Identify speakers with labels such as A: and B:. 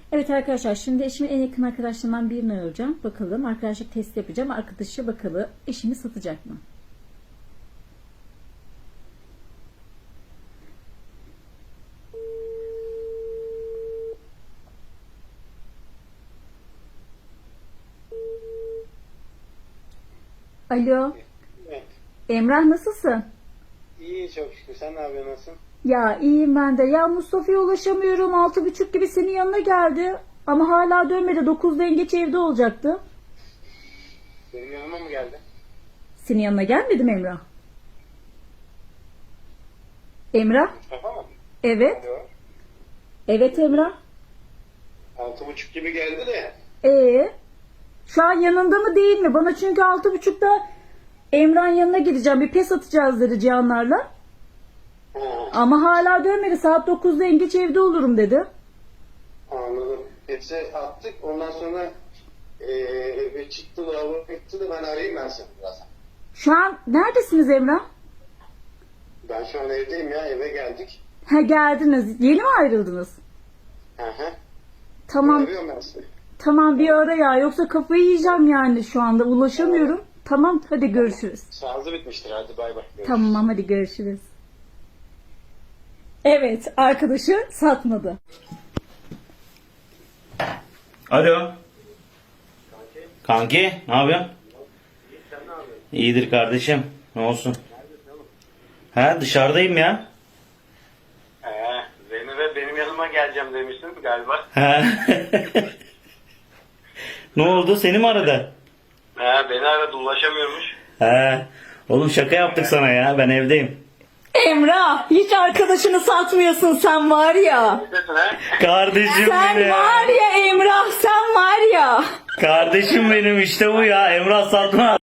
A: Evet arkadaşlar, şimdi eşimin en yakın arkadaşlarından birini arayacağım. Bakalım, arkadaşlık testi yapacağım. Arkadaşı bakalım eşimi satacak mı? Alo,
B: Evet.
A: Emrah nasılsın?
B: İyi çok şükür. Sen ne yapıyorsun? Nasılsın?
A: Ya iyiyim ben de. Ya Mustafa'ya ulaşamıyorum. 6.30 gibi senin yanına geldi. Ama hala dönmedi. 9'da en geç evde olacaktı.
B: Benim yanıma mı geldi?
A: Senin yanına gelmedi mi Emrah? Emrah?
B: Mustafa mı?
A: Evet.
B: Alo.
A: Evet Emrah.
B: 6.30 gibi geldi de.
A: Şu an yanında mı değil mi? Bana çünkü 6.30'da Emrah'ın yanına gideceğim. Bir pes atacağız dedi Cihanlarla.
B: Ha,
A: Ama hala dönmedi. Saat 9'da en geç evde olurum dedi.
B: anladım. Hepsi attık. Ondan sonra eve çıktı, lavaboya gitti de ben arayayım ben seni birazdan.
A: Şu an neredesiniz Emrah?
B: Ben şu an evdeyim ya. Eve geldik.
A: Ha, geldiniz. Yeni mi ayrıldınız?
B: Hı hı.
A: Tamam.
B: Arıyorum ben seni.
A: Tamam, bir ara ya. Yoksa kafayı yiyeceğim yani şu anda. Ulaşamıyorum. Tamam, hadi görüşürüz.
B: Şarjı bitmiştir. Hadi bay bay. Görüşürüz.
A: Tamam, hadi görüşürüz. Evet, arkadaşı satmadı.
C: Alo. Kanki, ne yapıyorsun?
B: Sen ne yapıyorsun?
C: İyidir kardeşim. Ne olsun? Ha, dışarıdayım ya.
B: Zeynep'e benim yanıma geleceğim demiştin galiba.
C: Ha. Ne oldu? Seni mi aradı?
B: Beni aradı, ulaşamıyormuş.
C: Ha. Oğlum şaka yaptık sana ya. Ben evdeyim.
A: Emrah, hiç arkadaşını satmıyorsun sen var ya.
B: Neredesin ha?
C: Kardeşim
A: Sen
C: benim.
A: var ya Emrah, sen var ya.
C: Kardeşim benim işte bu ya. Emrah Satmaz.